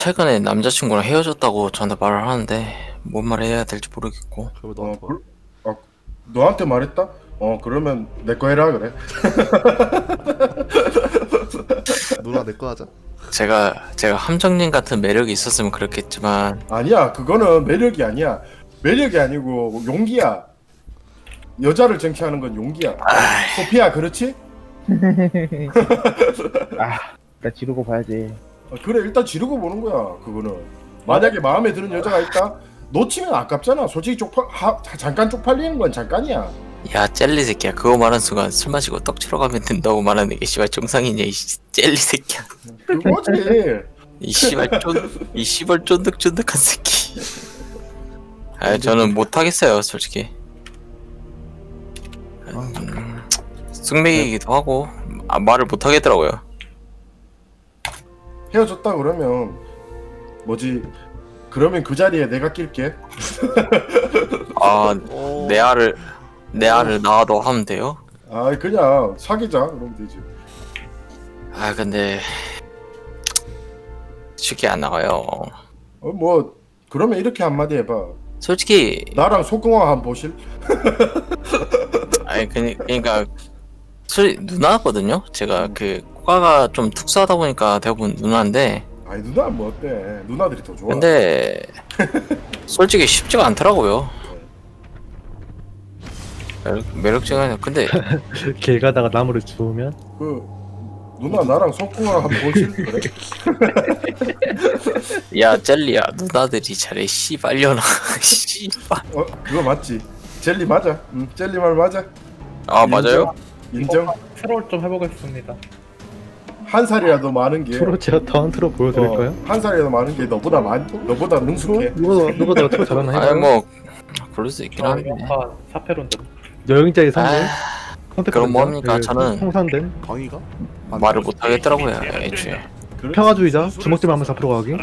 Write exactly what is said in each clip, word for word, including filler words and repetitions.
최근에 남자친구랑 헤어졌다고 저한테 말을 하는데 뭔 말을 해야 될지 모르겠고. 그러면 어, 너한테 뭐? 그, 어, 너한테 말했다? 어, 그러면 내 거 해라 그래. 누나 내 거 하자. 제가 제가 함정님 같은 매력이 있었으면 그렇겠지만 아니야, 그거는 매력이 아니야. 매력이 아니고 용기야. 여자를 쟁취하는 건 용기야. 소피야, 그렇지? 아, 나 지르고 봐야지. 어, 그래, 일단 지르고 보는 거야. 그거는 만약에 마음에 드는 여자가 있다, 놓치면 아깝잖아. 솔직히 쪽팔 하, 잠깐 쪽팔리는 건 잠깐이야. 야 젤리 새끼야 그거 말하는 순간 술 마시고 떡 치러 가면 된다고 말하는 게 씨발 정상이냐 이 씨- 젤리 새끼야. 그거지. 이 씨발 쫀이 씨발 쫀득쫀득한 새끼. 아 저는 못 하겠어요 솔직히. 음, 숙맥이기도 하고 아, 말을 못 하겠더라고요. 헤어졌다 그러면 뭐지? 그러면 그 자리에 내가 낄게. 아 오. 내 알을 내 알을 낳아도 하면 돼요? 아, 그냥 사귀자. 그러면 되지. 아 근데 쉽게 안 나가요. 어, 뭐 그러면 이렇게 한마디 해봐. 솔직히 나랑 속궁합 한번 보실? 아니 그, 그러니까 술 누나거든요. 제가 그 코가가 좀 특수하다 보니까 대부분 누나인데 아니 누나 뭐 어때? 누나들이 더 좋아. 근데 솔직히 쉽지가 않더라고요. 매력, 매력적이야. 근데 길 가다가 나무를 주우면 그 누나 나랑 속궁합 한번 보실? 그래? 야 젤리야 누나들이 잘해 씨발려나 씨발. 어, 그거 맞지? 젤리 맞아. 응, 젤리 말 맞아. 아 맞아요? 인정. 트롤 좀 해보겠습니다. 한 살이라도 많은 게 트롤 제가 더한 트롤 보여드릴까요? 어, 한 살이라도 많은 게 너보다 많 너보다 능숙해. 누가 누가 더 트롤 잘하나 아니 해봐요. 뭐 그럴 수 있긴 아, 한데. 사페론들. 여행자의 선물. 아, 그럼 뭐합니까? 저는 통산된 광희가? 말을 못 하겠더라고요 애초에. 그래? 평화주의자 주먹질 하면서 앞으로 가기.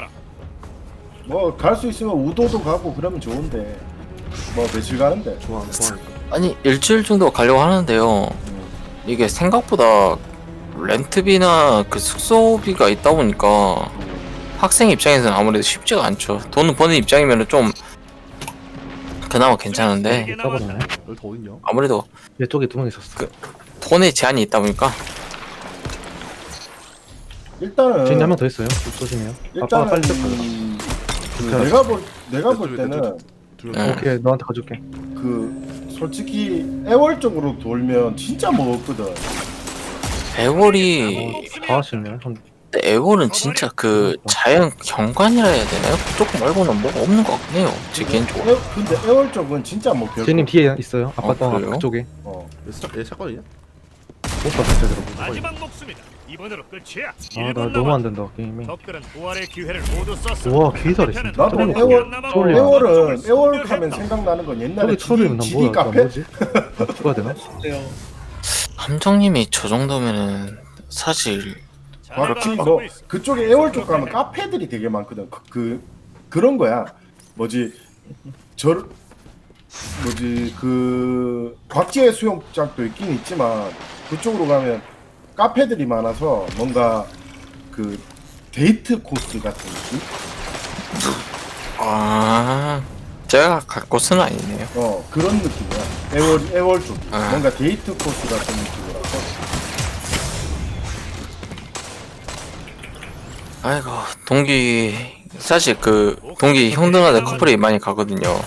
뭐갈 수 있으면 우도도 가고 그러면 좋은데 뭐 며칠 가는데. 좋아, 좋아하니까. 아니 일주일 정도 가려고 하는데요. 이게 생각보다 렌트비나 그 숙소비가 있다 보니까 학생 입장에서는 아무래도 쉽지가 않죠. 돈을 버는 입장이면 좀 그나마 괜찮은데 써버리네. 여기 더 어딨냐? 아무래도 이쪽에 두 명 있었어. 돈에 제한이 있다 보니까 일단은 주인이 한 명 더 있어요. 조심해요. 아빠가 일단은 빨리 좀 가자. 음, 그 좋다. 내가 볼 내가 볼 내 때는 둘 네. 오케이, 너한테 가줄게. 그 솔직히 애월 쪽으로 돌면 진짜 뭐 없거든. 애월이 다 하시네. 한 근데 애월은 진짜 그 자연 경관이라 해야 되나요? 그쪽 말고는 뭐가 없는 것 같긴 해요. 제 개인적으로. 애, 근데 애월 쪽은 진짜 뭐 별. 주인님 뒤에 있어요. 아빠 어, 땅 그래요? 그쪽에. 어. 얘 사- 얘 사건이냐? 못 봤어 제대로. 마지막 목숨이다. 이번으로 끝이야. 아, 나 너무 안 된다 게임이. 적들은 부활의 기회를 모두 썼어. 우와, 개 잘했어. 나도 저런 거 애월 저걸요. 애월은 애월 하면 생각나는 건 옛날에 저기 처음이면 난 지디 뭐야? 나 카페. 뭐지? 나 죽어야 되나? 함정님이 저 정도면은 사실 그렇지. 뭐 그쪽에 애월 쪽 가면 카페들이 되게 많거든. 그, 그 그런 거야. 뭐지 저 뭐지 그 곽지의 수영장도 있긴 있지만 그쪽으로 가면 카페들이 많아서 뭔가 그 데이트 코스 같은 느낌? 아 제가 갈 곳은 아니네요. 어 그런 느낌이야. 애월 애월 쪽 아. 뭔가 데이트 코스 같은 느낌이라서. 아이고 동기 사실 그 동기 형들한테 커플이 많이 가거든요.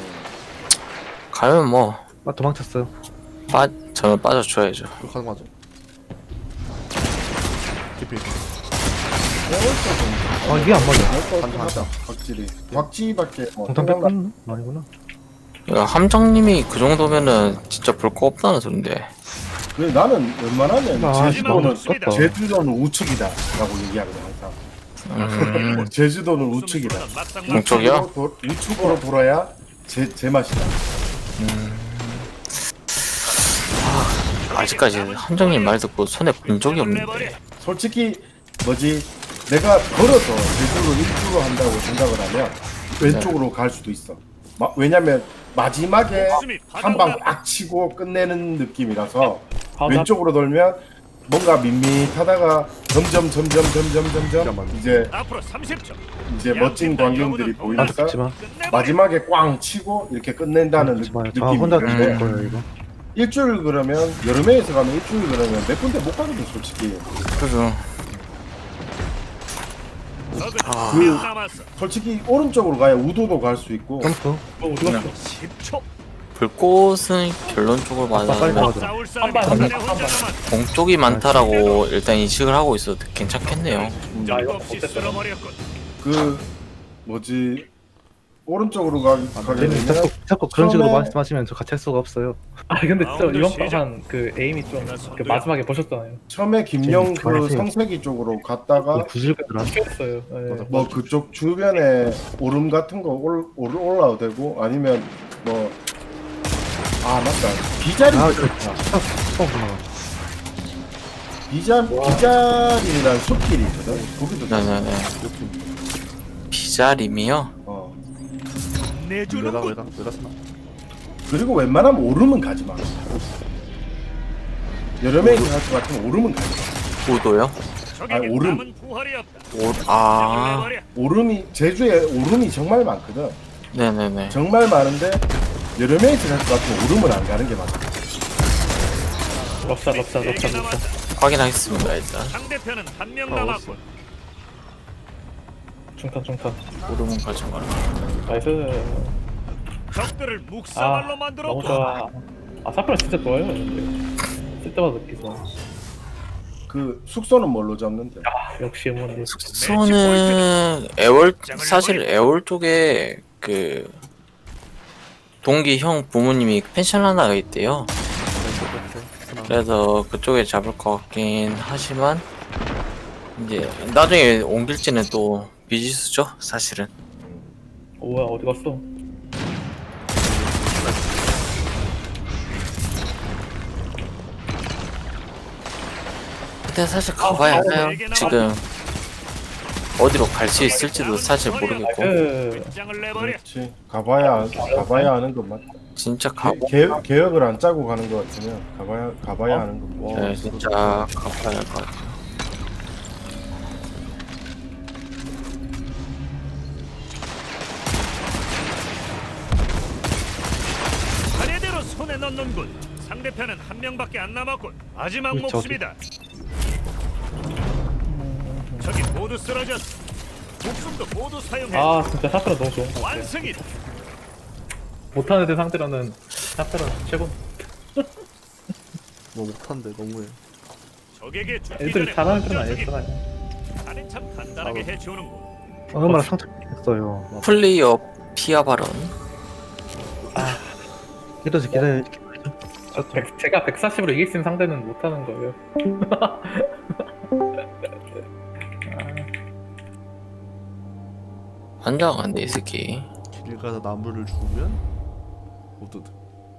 가면 뭐 아, 도망쳤어요. 빠, 저는 빠져줘야죠. 이거 가는 거 맞아? 깊이. 애월 쪽은 아, 이게 안 맞아. 한하다 곽지리 곽지밖에 뭐 공탄 생각나- 뺐나? 아니구나. 야, 함정님이 그 정도면은 진짜 볼 거 없다는 소린데. 그래, 나는 웬만하면 아, 제주도는 아깝다. 제주도는 우측이다라고 얘기하거든 항상. 음, 제주도는 우측이다. 동쪽이요? 우측으로, 도, 우측으로 돌아야 제, 제 맛이다. 아직까지 함정님 말 듣고 손에 본 적이 없는데. 솔직히 뭐지 내가 걸어서 제주로 일주로 한다고 생각을 하면 왼쪽으로 갈 수도 있어. 마, 왜냐면 마지막에 한 방 빡 치고 끝내는 느낌이라서 왼쪽으로 돌면 뭔가 밋밋하다가 점점 점점 점점 점점 잠깐만. 이제 앞으로 삼십 초. 이제 멋진 광경들이 보이니까 죽지마 마지막에 꽝 치고 이렇게 끝낸다는 느- 죽지마 저 느낌이 혼자 있는데 죽을 거예요 이거 일주일 그러면 여름에서 가면 일주일 그러면 몇 군데 못 가거든 솔직히. 그래서 적은 아. 한명 남았어. 솔직히 오른쪽으로 가야 우도도 갈 수 있고 점프 그냥 십 초. 불꽃은 결론 쪽을 빨리 맞아면 나가자. 싸울 사람이 한 발, 손에 한 발, 혼자 한 남았어. 동쪽이 많다라고 일단 인식을 하고 있어도 괜찮겠네요. 야 이거 없이 어땠어? 쓸어버렸군. 그 뭐지 오른쪽으로 가, 가게 님 되면 자꾸 자꾸 그런 식으로 처음에- 말씀하시면 저 같이 할 수가 없어요 아 근데 진짜 라운드 이번 시작. 판그 에임이 좀 그 마지막에 보셨잖아요. 처음에 김영 지금 그 말하세요. 성세기 쪽으로 갔다가 구질거더라 켰어요. 예. 뭐 그쪽 주변에 오름 같은 거 올, 올, 올라도 되고 아니면 뭐 아 맞다 비자리 아, 있었다. 처음 보나 비자 비자리라는 숲길이 있거든 거기도 네네네. 비자림이요? 어 외곽 내주는군. 외곽 외곽 쓰나? 그리고 웬만하면 오름은 가지 마 여름에 있는 할것 같으면 오름은 가지 마 우도요? 적에게 아니, 오름. 남은 부활이 없다. 오, 아, 내버려. 오름이 제주에 오름이 정말 많거든 네네네. 정말 많은데 여름에 있는 할것 같으면 오름은 안 가는 게 맞아 럽사 럽사 네 럽사 개 럽사. 남았다. 확인하겠습니다, 일단. 상대편은 한 명 아, 남았군. 중탄 중탄. 오름은 가지 마라. 나이스. 적들을 아 묵사발로 너무 만들었고. 좋아. 아 사프라 진짜 좋아요. 근데 쓸 때마다 느끼죠. 그 숙소는 뭘로 잡는데 아 역시 어머니. 숙소는 애월, 사실 애월 쪽에 그, 동기 형 부모님이 펜션 하나가 있대요. 그래서 그쪽에 잡을 것 같긴 하지만, 이제, 나중에 옮길지는 또 미지수죠, 사실은. 오야 어디 갔어? 근데 사실 가봐야 알아요. 지금, 어디로 갈 수 있을지도 사실 모르겠고, 그 장을 내버려. 그렇지 가봐야 가봐야 하는 것만 진짜 가보, 개, 계획을 안 짜고 가는 것 같으면 가봐야 가봐야 하는 거 네, 진짜 가봐야 할 것 같아요. 차례대로 손에 넣는군. 상대편은 한 명밖에 안 남았군. 마지막 저기. 목숨이다. 적이 모두 쓰러졌어. 목숨도 모두 사용해. 아 진짜 사프라 너무 좋은 것 같아. 완승이다. 못하는 애 상대로는 사프라 최고. 뭐 못한데 너무해. 적에게 죽기 애들 전에 잘하는 편은 먼저 아니었잖아요. 적이 나는 참 간단하게 해치우는군. 얼마나 상처했어요 플레이어 피아 발언. 이러지 기다려 저 백, 제가 백사십으로 이길 수 있는 상대는 못하는 거예요. 환장한데 이 새끼. 길 가서 나무를 죽으면 우드드.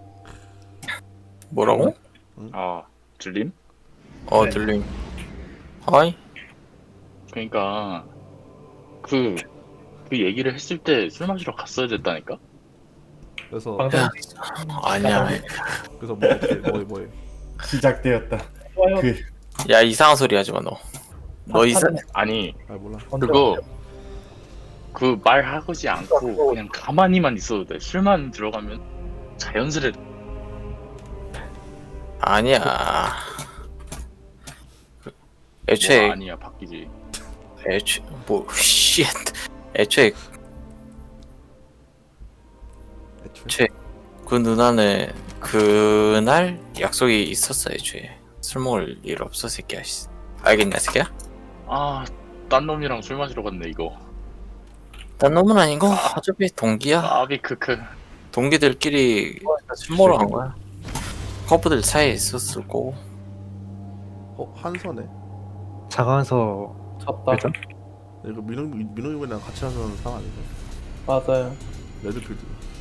뭐라고? 아, 들림? 어 네. 들림. 하이. 그러니까 그, 그 얘기를 했을 때 술 마시러 갔어야 됐다니까? 그래서 방송 아니야. 그래서 뭐 어떻게 뭐해 뭐해. 시작되었다 좋아요. 그 야 이상한 소리 하지 마 너. 너 이상. 아니, 아 몰라. 그거 그 말하지 않고 그냥 가만히만 있어도 돼. 술만 들어가면 자연스레 아니야. 그, 애초에 뭐 아니야 바뀌지. 애초 뭐 쉣. 애초에 애초에. 그 누나는 그날 약속이 있었어. 애초에 술 먹을 일 없어 새끼야. 씨. 알겠냐 새끼야? 아, 딴 놈이랑 술 마시러 갔네 이거. 딴 놈은 아니고 어차피 동기야. 아비 크크. 동기들끼리 술 먹으러 간 거야. 커플들 사이에 있었을 거고. 어 한선에. 자가면서 졌다. 일단 이거 민호 민호이랑 같이 하는 사람 아니고. 맞아요. 레드필드.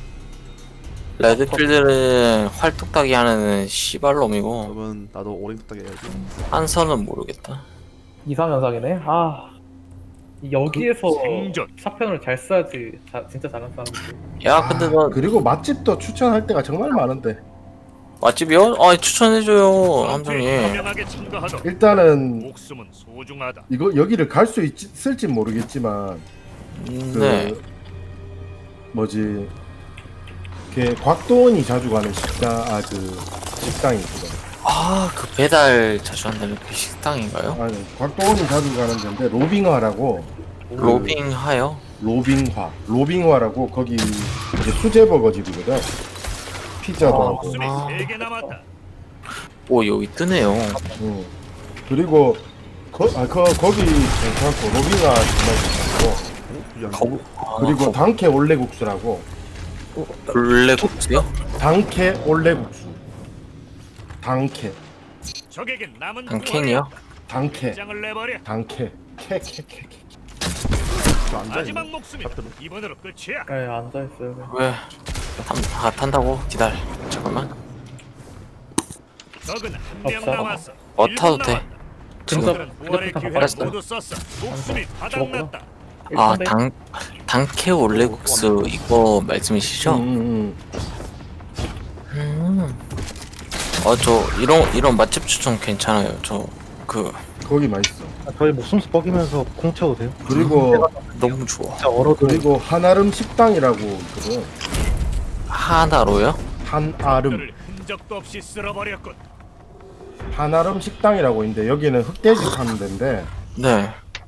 레드필드는 활뚝딱이 하는 씨발놈이고 그러면 나도 오랭 딱 해야지. 한선은 모르겠다. 이상현상이네. 아 여기에서 생존. 사편을 잘 써야지. 자, 진짜 잘하는 사람들. 야 근데 너 그리고 맛집도 추천할 때가 정말 많은데 맛집이요? 아 추천해줘요 전투에 함정님. 현명하게 참가하도록. 일단은 목숨은 소중하다. 이거 여기를 갈 수 있을지 모르겠지만 음, 그 네. 뭐지 걔 곽도원이 자주 가는 식당 아 그 식당이 있거든. 아그 배달 자주 한다는 그 식당인가요? 아니 곽도원이 자주 가는 데인데 로빙화라고 그 로빙하요? 로빙화 로빙화라고 거기 이제 수제 버거집이거든. 피자도 하고. 목숨이 아. 세 개 남았다. 오 여기 뜨네요. 응. 그리고 거, 아, 거, 거기 괜찮고 로빙화 정말 괜찮고 거부. 아, 그리고 거- 당캐 올레국수라고 블랙국수요? 당캐 올레국수 당캐 적에게 남은 한 캔이요? 당캐 장을 내버려. 당캐 캐캐캐캐 저 앉아있네. 마지막 목숨이 이번으로 끝이야. 네, 앉아있어요. 왜? 탄, 아 탄다고? 기다려. 잠깐만. 적은 한 명 없어. 남았어. 어 일 분 타도 돼. 남았다. 지금. 적들은 부활의 기회를 알았어. 모두 썼어. 목숨이 바닥났다. 아 당 당캐 올레국수 이거 말씀이시죠? 음, 음, 음. 아저 이런 이런 맛집 추천 괜찮아요. 저 그 음. 거기 맛있어. 아, 저희 목숨수 뻐기면서 공 채워도 돼요? 그리고 너무 좋아. 진짜 얼어도 그리고 한아름 식당이라고 있거든. 하나로요? 한아름 적들을 흔적도 없이 쓸어버렸군. 한아름 식당이라고 있는데 여기는 흑돼지 파는 데인데 네.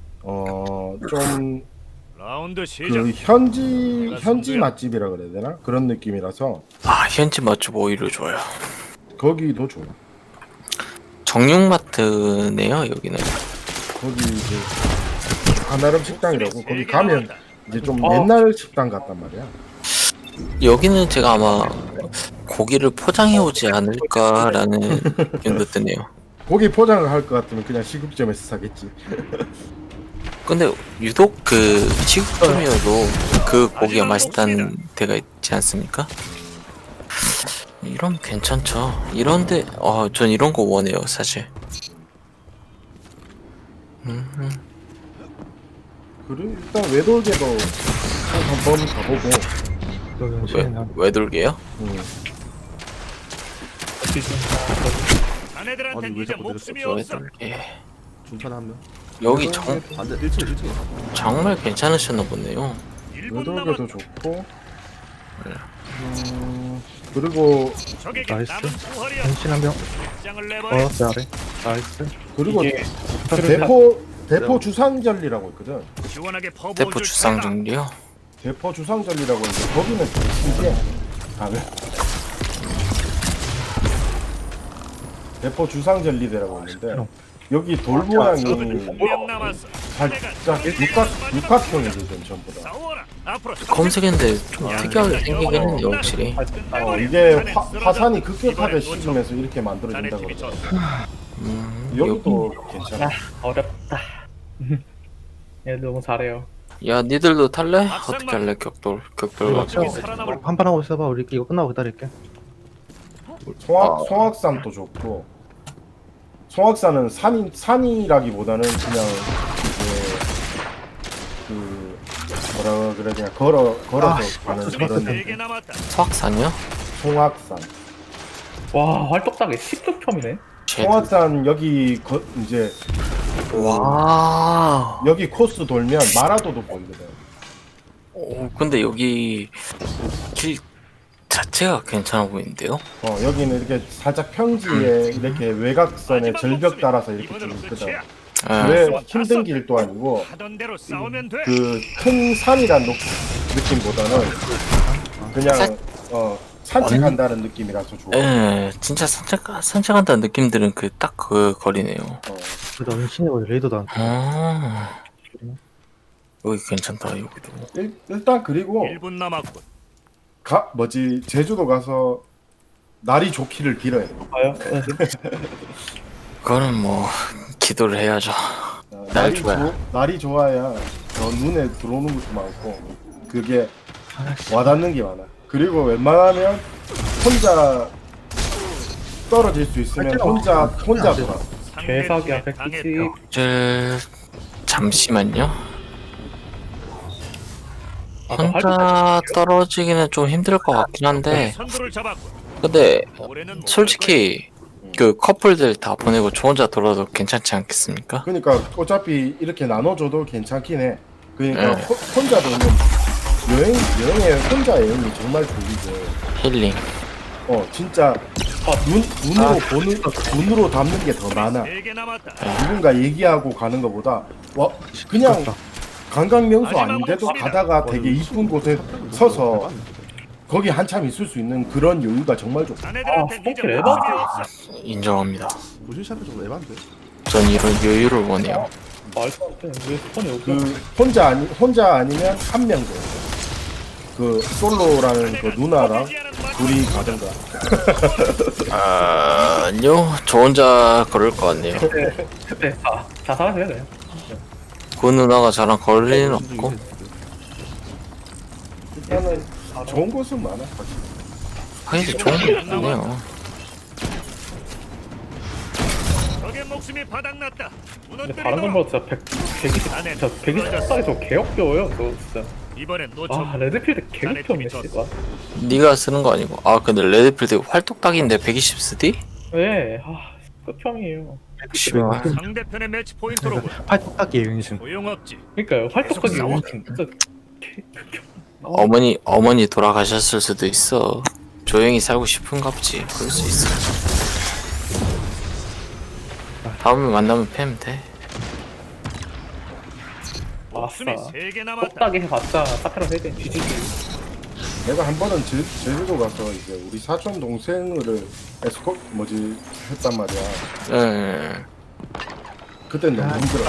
어좀 라운드 시작. 그 현지 현지 맛집이라 그래야 되나 그런 느낌이라서 아 현지 맛집 오히려 좋아요. 거기도 좋아. 정육마트네요 여기는. 거기 이제 한아름 식당이라고 거기 가면 이제 좀 어. 옛날 식당 같단 말이야. 여기는 제가 아마 고기를 포장해 오지 않을까라는 생각도 드네요. 고기 포장을 할 것 같으면 그냥 시급점에서 사겠지. 근데 유독 그 시국점이어도 그 고기가 맛있다는 데가 있지 않습니까? 이러면 괜찮죠. 이런데 어, 전 이런 거 원해요 사실. 음, 음. 그리고 일단 외돌개도 한번 가보고. 여기 왜, 시간이 왜 돌게요? 음. 자네들한텐 아니, 왜 이제 자꾸 목숨이 내렸어? 왜 없어. 돌게? 중탄 한 명. 여기 정, 앉아 일 층 일 층에. 정말 괜찮으셨나 보네요. 일 분 외돌개도 남았다. 좋고. 음, 그리고 적에게 나이스. 남은 부활이야. 변신 한 명. 장을 내버려. 어, 내 아래. 나이스. 그리고 이게 저 대포 대포 주상절리라고 있거든. 시원하게 퍼부어 대포 줄 주상 테다. 정리요? 대포 주상절리라고 있는데 거기는 이게 가면 대포 주상절리대라고 있는데 여기 돌 모양이 한 명 남았어. 살짝 육각 육각형이거든 전부 다. 싸워라. 앞으로 검색했는데 좀 특이하게 생기긴 했네요 확실히. 어, 이게 화, 화산이 급격하게 식으면서 이렇게 만들어진다 자네 팀이 그러더라고. 졌어. 음, 여기도 괜찮아. 어렵다. 얘 너무 잘해요. 야 니들도 탈래? 어떻게 할래 격돌 격돌 우리 가지고. 막상 살아남을 한판 하고 있어봐. 우리 이거 끝나고 기다릴게. 송악 송악산도 좋고 송악산은 산이 산이라기보다는 그냥 이제 그 뭐라 그래야 되나 걸어 걸어서 가는 그런 네 개 남았다. 서학산이요? 송악산. 와, 활동당에 십 득점이네. 송악산 여기 거, 이제 와. 여기 코스 돌면 마라도도 보이거든. 오, 근데 여기 길 자체가 괜찮아 보이는데요? 어 여기는 이렇게 살짝 평지에 이렇게 외곽선에 절벽 따라서 이렇게 좀 있거든. 예. 그래 힘든 길도 아니고 하던 대로 싸우면 돼. 그 큰 산이란 녹- 느낌보다는 그냥 산- 어 산책한다는 느낌이라서 좋아. 예, 진짜 산책 산책한다는 느낌들은 그 딱 그 거리네요. 어. 그래도 은신이 어디 레이더도 안. 아, 여기 괜찮다 여기도. 일, 일단 그리고 일 분 남았군. 가 뭐지 제주도 가서 날이 좋기를 빌어야 돼. 봐요. 그거는 뭐 기도를 해야죠. 어, 날 날이 좋아요. 좋- 날이 좋아야 더 눈에 들어오는 것도 많고 그게 와닿는 게 많아. 그리고 웬만하면 혼자 떨어질 수 있으면 혼자 혼자 돌아. 개사기야, 상대 팀에 백구십. 당했다. 저 잠시만요. 아까 혼자 활동 떨어지기는 좀 힘들 것 같긴 한데 선두를 잡았군. 근데 올해는 못 솔직히 그 커플들 다 보내고 저 혼자 돌아도 괜찮지 않겠습니까? 그러니까 어차피 이렇게 나눠줘도 괜찮긴 해. 그러니까 네. 호, 혼자 노는 여행 여행에 혼자 여행이 정말 좋이고. 힐링. 어 진짜 눈 눈으로 아, 보는 눈으로 담는 게 더 많아. 세개 남았다. 누군가 얘기하고 가는 것보다 와 그냥 부럽다. 관광 명소 아닌데도 가다가 되게 이쁜 곳에 서서 거기 한참 있을 수 있는 그런 여유가 정말 좋고. 자네들한테 아, 이제 스포키 방법이 없어. 인정합니다. 무신샵이 좀 에반데. 전 이런 여유를 원해요. 말도 안 돼. 왜 스폰이 없어? 그 혼자 아니 혼자 아니면 한 명 정도. 그 솔로라는 그 누나랑 둘이 가든가. 아, 아니요. 저 혼자 걸을 것 같네요. 그때 다 자살하세요 그냥. 그 누나가 저랑 걸을 일은 없고. 일단은 좋은 곳은 많아. 확실히. 확실히 좋은 게 없네요. 적의 목숨이 바닥났다. 근데 무너뜨리도록. 다른 건보다 진짜 백, 백이십, 진짜 백이십 싸게 저 개역겨워요. 저 진짜. 이번엔 놓쳐. 아 레드필드 개역겨웠네 씨발. 네가 쓰는 거 아니고. 아, 근데 레드필드 활동딱인데 백이십 쓰디? 왜? 아 끝형이에요. 씨발. 상대편의 매치 포인트로군. 팔뚝딱이 윤심. 소용없지. 그러니까요. 활동적인 싸워. 용진 진짜 개 극혐. 어머니, 어머니 돌아가셨을 수도 있어. 조용히 살고 싶은가 보지. 그럴 수 있어. 다음에 만나면 패면 돼. 아싸. 목숨이 세개 남았다. 똑딱이 해봤자 사페라 세대 뒤지기. 내가 한 번은 제, 제주도 가서 이제 우리 사촌 동생을 에스코 뭐지 했단 말이야. 예. 그땐 너무 힘들어.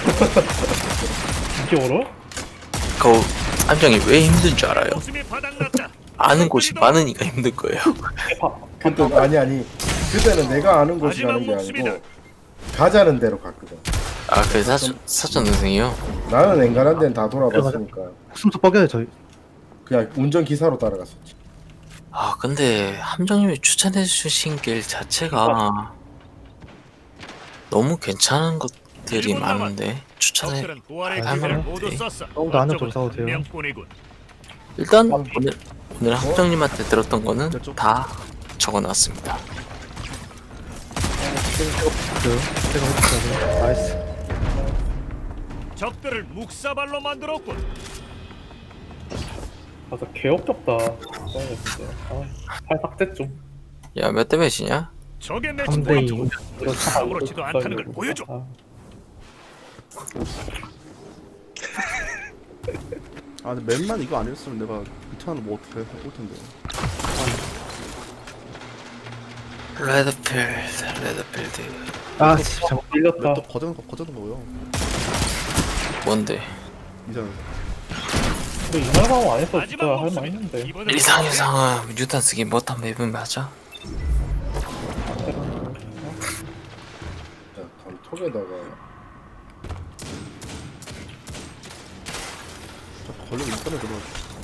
이게 얼어? 그 함정이 왜 힘든 줄 알아요? 목숨이 바닥났다. 아는 곳이 많으니까 힘든 거예요. 봐. 그때 아니 아니 그때는 내가 아는 곳이라는 게 아니고 가자는 데로 갔거든. 아, 그 사촌 사촌 동생이요? 나는 엔간한 데는 다 돌아봤으니까 숨도 뻐겨요 저희. 그냥 운전 기사로 따라갔었지. 아, 근데 함정님이 추천해 주신 길 자체가 너무 괜찮은 것들이 많은데 추천해. 적들은 부활의 아, 기회를 할만한데. 모두 썼어. 너무 나는 좀 어쩌고 싸워도 돼요. 한 명뿐이군. 일단 오늘 오늘 함정님한테 들었던 거는 다 적어놨습니다. 그 제가 해줄게요. 나이스. 적들을 묵사발로 만들었군. 맞아 개역겹다. 그런 거 진짜. 아, 팔 삭제 좀. 야, 몇 대 몇이냐? 적의 매치 삼 대 이. 포인트. 아무렇지도 않다는 걸 보여줘. 아, 아 근데 맨만 이거 아니었으면 내가 이탄을 뭐 어떻게 할 텐데. 레드필드, 레드필드. 아 진짜. 밀렸다. 또 거저는 거 거저는 거요. 뭔데? 이제 근데 이날 방어 안 했어 진짜 마지막 할 목숨이다. 만했는데. 이번엔 이상 이상은 유탄 쓰기 못한 맵은 맞아? 자, 단톡에다가 저 걸리고 인터넷 들어.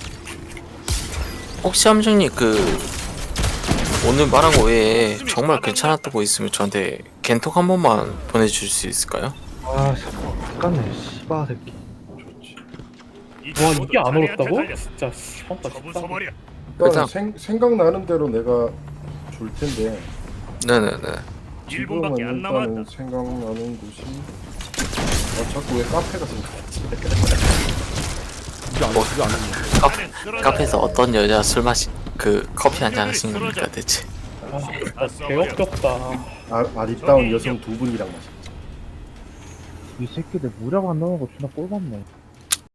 혹시 함정님 그 오늘 말한 거 외에 정말 괜찮았던 거 있으면 저한테 겐톡 한 번만 보내줄 수 있을까요? 아 잠깐네 씨바 새끼. 좋지. 와 모두 이게 안 자네한테 얼었다고? 달렸어. 진짜 씨발다 처분 진짜. 소머리야. 일단 일단- 생, 생각나는 대로 내가 줄 텐데 네네네. 일 분밖에 지금은 안 일단은 남았다. 생각나는 곳이 아 자꾸 왜 카페가 생각나지? 이게 안 이게 안 했네. 카, 나는 쓰러져. 카페에서 어떤 여자 술 마시 그 커피 한잔 하신 겁니까 대체? 아 진짜 개역겹다. 아, 아리따운 여성 두 분이랑 마셨지. 이 새끼들 무력 안 나오는 거 존나 꼴받네.